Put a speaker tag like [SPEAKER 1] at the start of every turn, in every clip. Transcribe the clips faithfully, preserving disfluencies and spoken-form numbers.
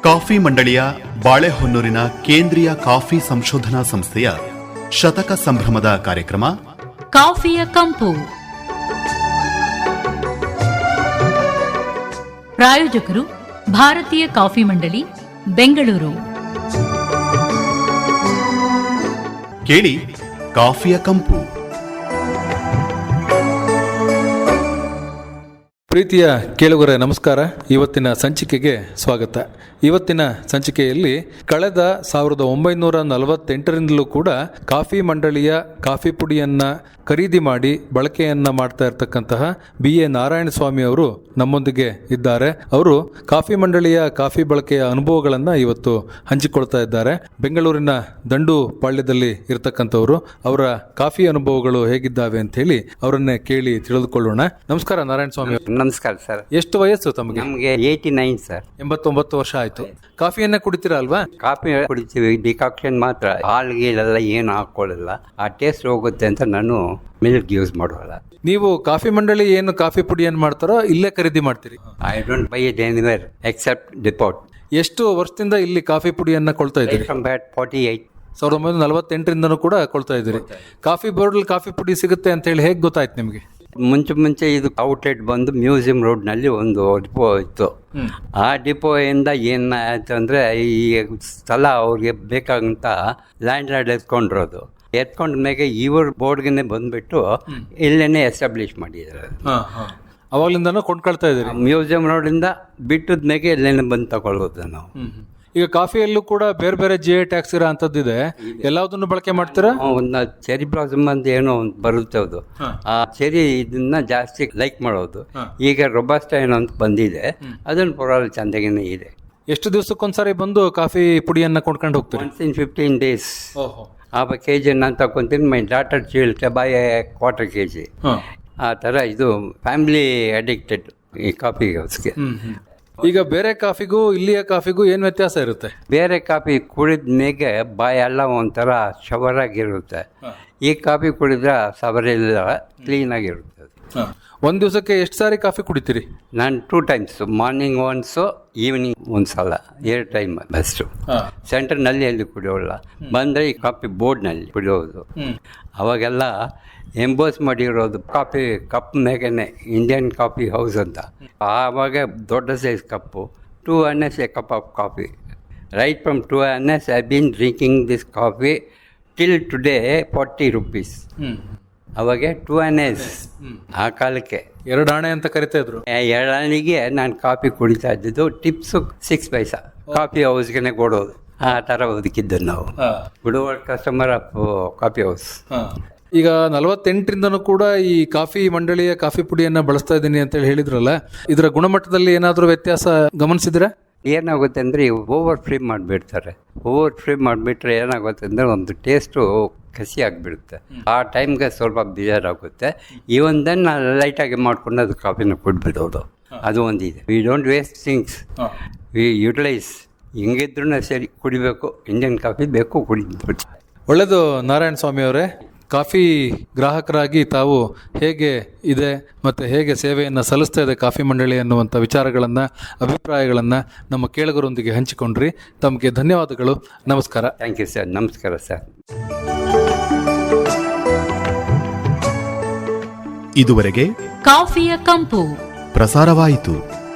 [SPEAKER 1] Coffee ಮಂಡಳಿಯ ಬಾಳೆಹೊನ್ನೂರಿನ ಕೇಂದ್ರೀಯ coffee ಸಂಶೋಧನಾ ಸಂಸ್ಥೆಯ ಶತಕ ಸಂಭ್ರಮದ ಕಾರ್ಯಕ್ರಮ
[SPEAKER 2] ಕಾಫಿಯ ಕಂಪು. ಪ್ರಾಯೋಜಕರು ಭಾರತೀಯ ಕಾಫಿ ಮಂಡಳಿ, ಬೆಂಗಳೂರು.
[SPEAKER 1] ಕೇಳಿ ಕಾಫಿಯ ಕಂಪು.
[SPEAKER 3] ಪ್ರೀತಿಯ ಕೇಳುಗರೆ ನಮಸ್ಕಾರ. ಇವತ್ತಿನ ಸಂಚಿಕೆಗೆ ಸ್ವಾಗತ. ಇವತ್ತಿನ ಸಂಚಿಕೆಯಲ್ಲಿ ಕಳೆದ ಸಾವಿರದ ಒಂಬೈನೂರ ನಲವತ್ತೆಂಟರಿಂದಲೂ ಕೂಡ ಕಾಫಿ ಮಂಡಳಿಯ ಕಾಫಿ ಪುಡಿಯನ್ನು ಖರೀದಿ ಮಾಡಿ ಬಳಕೆಯನ್ನು ಮಾಡ್ತಾ ಇರತಕ್ಕಂತಹ ಬಿ ಎ ನಾರಾಯಣ ಸ್ವಾಮಿ ಅವರು ನಮ್ಮೊಂದಿಗೆ ಇದ್ದಾರೆ. ಅವರು ಕಾಫಿ ಮಂಡಳಿಯ ಕಾಫಿ ಬಳಕೆಯ ಅನುಭವಗಳನ್ನು ಇವತ್ತು ಹಂಚಿಕೊಳ್ತಾ ಇದ್ದಾರೆ. ಬೆಂಗಳೂರಿನ ದಂಡು ಪಾಳ್ಯದಲ್ಲಿ ಇರತಕ್ಕಂಥವರು. ಅವರ ಕಾಫಿ ಅನುಭವಗಳು ಹೇಗಿದ್ದಾವೆ ಅಂತ ಹೇಳಿ ಅವರನ್ನೇ ಕೇಳಿ ತಿಳಿದುಕೊಳ್ಳೋಣ. ನಮಸ್ಕಾರ ನಾರಾಯಣ ಸ್ವಾಮಿ.
[SPEAKER 4] ನಮಸ್ಕಾರ ಸರ್.
[SPEAKER 3] ಎಷ್ಟು ವಯಸ್ಸು ತಮಗೆ?
[SPEAKER 4] ನಮಗೆ ಏಯ್ಟಿ ನೈನ್ ಸರ್.
[SPEAKER 3] ಎಂಬತ್ತೊಂಬತ್ತು ವರ್ಷ ಆಯ್ತು. ಕಾಫಿಯನ್ನ ಕುಡಿತೀರಾ ಅಲ್ವಾ?
[SPEAKER 4] ಕಾಫಿ ಕುಡಿತೀವಿ, ಡಿಕಾಕ್ಷನ್ ಮಾತ್ರ. ಹಾಲ್ ಗೀಲೆಲ್ಲ ಏನು ಹಾಕೊಳ್ಳಲ್ಲ, ಆ ಟೇಸ್ಟ್ ಹೋಗುತ್ತೆ ಅಂತ ನಾನು ಮಿಲ್ಕ್ ಯೂಸ್ ಮಾಡೋಲ್ಲ.
[SPEAKER 3] ನೀವು ಕಾಫಿ ಮಂಡಳಿ ಏನು ಕಾಫಿ ಪುಡಿಯನ್ನು ಮಾಡ್ತಾರೋ ಇಲ್ಲೇ ಖರೀದಿ ಮಾಡ್ತೀರಿ?
[SPEAKER 4] I don't buy it anywhere except depot.
[SPEAKER 3] ಎಷ್ಟು ವರ್ಷದಿಂದ ಇಲ್ಲಿ ಕಾಫಿ ಪುಡಿಯನ್ನ ಕೊಳ್ತಾ ಇದ್ದೀರಿ?
[SPEAKER 4] ಫಾರ್ಟಿ ಏಟ್
[SPEAKER 3] ಸಾವಿರದ ಒಂಬೈನೂರ ನಲವತ್ತೆಂಟರಿಂದನೂ ಕೂಡ ಕೊಳ್ತಾ ಇದ್ದೀರಿ. ಕಾಫಿ ಬೋರ್ಡಲ್ಲಿ ಕಾಫಿ ಪುಡಿ ಸಿಗುತ್ತೆ ಅಂತ ಹೇಳಿ ಹೇಗೆ ಗೊತ್ತಾಯ್ತು ನಿಮಗೆ?
[SPEAKER 4] ಮುಂಚೆ ಮುಂಚೆ ಇದು ಔಟ್ಲೆಟ್ ಬಂದು ಮ್ಯೂಸಿಯಂ ರೋಡ್ನಲ್ಲಿ ಒಂದು ಡಿಪೋ ಇತ್ತು. ಆ ಡಿಪೋಯಿಂದ ಏನಾಯ್ತು ಅಂದರೆ, ಈ ಸ್ಥಳ ಅವ್ರಿಗೆ ಬೇಕಾಗಂತ ಲ್ಯಾಂಡ್ ಲಾರ್ಡ್ ಎತ್ಕೊಂಡಿರೋದು. ಎತ್ಕೊಂಡ ಮೇಲೆ ಇವ್ರ ಬೋರ್ಡ್ಗೆ ಬಂದುಬಿಟ್ಟು ಇಲ್ಲೇನೆ ಎಸ್ಟಾಬ್ಲಿಷ್ ಮಾಡಿದ್ದಾರೆ.
[SPEAKER 3] ಅವಾಗಲಿಂದನೂ ಕೊಂಡ್ಕೊಳ್ತಾ ಇದ್ದೀರಿ?
[SPEAKER 4] ಮ್ಯೂಸಿಯಂ ರೋಡಿಂದ ಬಿಟ್ಟದ ಮೇಲೆ ಇಲ್ಲೇನೆ ಬಂದು ತಗೊಳ್ಬೋದು ನಾವು.
[SPEAKER 3] ಈಗ ಕಾಫಿಯಲ್ಲೂ ಕೂಡ ಬೇರೆ ಬೇರೆ ಜಿ ಐ ಟ್ಯಾಕ್ಸ್ ಇರೋ ಅಂಥದ್ದಿದೆ. ಎಲ್ಲದನ್ನು ಬಳಕೆ ಮಾಡ್ತೀರಾ?
[SPEAKER 4] ಒಂದು ಚೆರಿ ಬ್ಲಾಸಮ್ ಅಂತ ಏನೋ ಒಂದು ಬರುತ್ತೆ, ಅದು ಆ ಚೆರಿ ಇದನ್ನ ಜಾಸ್ತಿ ಲೈಕ್ ಮಾಡೋದು. ಈಗ ರೊಬಾಸ್ಟ ಏನೋ ಅಂತ ಬಂದಿದೆ, ಅದನ್ನು ಪರವಾಗಿಲ್ಲ ಚಂದಾಗೇನೆ ಇದೆ.
[SPEAKER 3] ಎಷ್ಟು ದಿವಸಕ್ಕೊಂದ್ಸರಿ ಬಂದು ಕಾಫಿ ಪುಡಿಯನ್ನು ಕೊಂಡ್ಕೊಂಡು ಹೋಗ್ತೀವಿ?
[SPEAKER 4] ಒನ್ಸ್ ಇನ್ ಫಿಫ್ಟೀನ್ ಡೇಸ್ ಆ ಕೆ ಜಿ ನಾನು ತಗೊತೀನಿ. My daughter child buy quarter K G. ಆ ಥರ ಇದು ಫ್ಯಾಮಿಲಿ ಅಡಿಕ್ಟೆಡ್ ಈ ಕಾಫಿ ಹೌಸ್ಗೆ.
[SPEAKER 3] ಈಗ ಬೇರೆ ಕಾಫಿಗೂ ಇಲ್ಲಿಯ ಕಾಫಿಗೂ ಏನು ವ್ಯತ್ಯಾಸ ಇರುತ್ತೆ?
[SPEAKER 4] ಬೇರೆ ಕಾಫಿ ಕುಡಿದ ಮೇಗೆ ಬಾಯಿ ಎಲ್ಲ ಒಂಥರ ಶವರ್ ಆಗಿರುತ್ತೆ. ಈ ಕಾಫಿ ಕುಡಿದ್ರೆ ಸವರೆಲ್ಲ ಕ್ಲೀನ್ ಆಗಿರುತ್ತೆ.
[SPEAKER 3] ಒಂದು ದಿವಸಕ್ಕೆ ಎಷ್ಟು ಸಾರಿ ಕಾಫಿ ಕುಡಿತೀರಿ?
[SPEAKER 4] ನಾನು two times, morning once, evening ಒಂದು ಸಲ, ಎರಡು ಟೈಮ್ ಬೆಸ್ಟು. ಸೆಂಟರ್ನಲ್ಲಿ ಎಲ್ಲಿ ಕುಡಿಯೋಲ್ಲ, ಬಂದರೆ ಈ ಕಾಫಿ ಬೋರ್ಡ್ನಲ್ಲಿ ಕುಡಿಯೋದು. ಅವಾಗೆಲ್ಲ ಎಂಬೋಸ್ ಮಾಡಿರೋದು ಕಾಫಿ ಕಪ್ ಮೇಗೇನೆ ಇಂಡಿಯನ್ ಕಾಫಿ ಹೌಸ್ ಅಂತ. ಆವಾಗ ದೊಡ್ಡ size cup, two N S a cup of coffee. Right from two N S I been drinking this coffee till today forty rupees. ಅವಾಗ ಟೂ ಎನ್ ಎಸ್ ಆ ಕಾಲಕ್ಕೆ
[SPEAKER 3] ಎರಡು ಆಣೆ ಅಂತ ಕರಿತಾ ಇದ್ರು.
[SPEAKER 4] ಎರಡು ಆಣೆಗೆ ನಾನು ಕಾಫಿ ಕುಡಿತಾ ಇದ್ದಿದ್ದು. ಟಿಪ್ಸು ಸಿಕ್ಸ್ ಪೈಸಾ ಕಾಫಿ ಹೌಸ್ಗೆ ಕೊಡೋದು. ಆ ಥರ ಬದುಕಿದ್ದು ನಾವು, good customer of coffee house.
[SPEAKER 3] ಈಗ ನಲವತ್ತೆಂಟರಿಂದನೂ ಕೂಡ ಈ ಕಾಫಿ ಮಂಡಳಿಯ ಕಾಫಿ ಪುಡಿಯನ್ನು ಬಳಸ್ತಾ ಇದ್ದೀನಿ ಅಂತೇಳಿ ಹೇಳಿದ್ರಲ್ಲ, ಇದರ ಗುಣಮಟ್ಟದಲ್ಲಿ ಏನಾದರೂ ವ್ಯತ್ಯಾಸ ಗಮನಿಸಿದ್ರೆ?
[SPEAKER 4] ಏನಾಗುತ್ತೆ ಅಂದರೆ, ಓವರ್ ಫ್ರೈ ಮಾಡಿಬಿಡ್ತಾರೆ. ಓವರ್ ಫ್ರೈ ಮಾಡಿಬಿಟ್ರೆ ಏನಾಗುತ್ತೆ ಅಂದರೆ ಒಂದು ಟೇಸ್ಟು ಕಸಿ ಆಗಿಬಿಡುತ್ತೆ. ಆ ಟೈಮ್ಗೆ ಸ್ವಲ್ಪ ಬೇಜಾರಾಗುತ್ತೆ. ಈವನ್ ದೆನ್ ಲೈಟಾಗಿ ಮಾಡ್ಕೊಂಡು ಅದು ಕಾಫಿನ ಕುಡಿಬಿಡೋದು, ಅದು ಒಂದಿದೆ. We don't waste things, we utilise. ಹಿಂಗಿದ್ರೂ ಸರಿ, ಕುಡಿಬೇಕು, ಇಂಡಿಯನ್ ಕಾಫಿ ಬೇಕು, ಕುಡಿದ್ಬಿಟ್ಟು.
[SPEAKER 3] ಒಳ್ಳೆಯದು ನಾರಾಯಣ ಸ್ವಾಮಿ ಅವರೇ. ಕಾಫಿ ಗ್ರಾಹಕರಾಗಿ ತಾವು ಹೇಗೆ ಇದೆ ಮತ್ತು ಹೇಗೆ ಸೇವೆಯನ್ನು ಸಲ್ಲಿಸ್ತಾ ಇದೆ ಕಾಫಿ ಮಂಡಳಿ ಅನ್ನುವಂಥ ವಿಚಾರಗಳನ್ನು, ಅಭಿಪ್ರಾಯಗಳನ್ನು ನಮ್ಮ ಕೇಳುಗರೊಂದಿಗೆ ಹಂಚಿಕೊಂಡ್ರಿ. ತಮಗೆ ಧನ್ಯವಾದಗಳು. ನಮಸ್ಕಾರ.
[SPEAKER 4] Thank you sir. ನಮಸ್ಕಾರ ಸರ್.
[SPEAKER 1] ಇದುವರೆಗೆ
[SPEAKER 2] ಕಾಫಿಯ ಕಂಪು
[SPEAKER 1] ಪ್ರಸಾರವಾಯಿತು.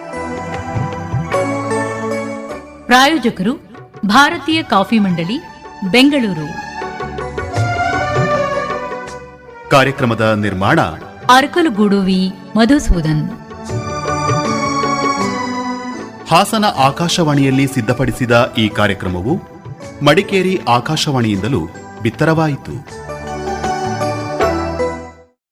[SPEAKER 2] ಪ್ರಾಯೋಜಕರು ಭಾರತೀಯ ಕಾಫಿ ಮಂಡಳಿ, ಬೆಂಗಳೂರು.
[SPEAKER 1] ಕಾರ್ಯಕ್ರಮದ ನಿರ್ಮಾಣ
[SPEAKER 2] ಅರಕಲಗೂಡು ವಿ ಮಧುಸೂದನ್.
[SPEAKER 1] ಹಾಸನ ಆಕಾಶವಾಣಿಯಲ್ಲಿ ಸಿದ್ಧಪಡಿಸಿದ ಈ ಕಾರ್ಯಕ್ರಮವು ಮಡಿಕೇರಿ ಆಕಾಶವಾಣಿಯಿಂದಲೂ ಬಿತ್ತರವಾಯಿತು.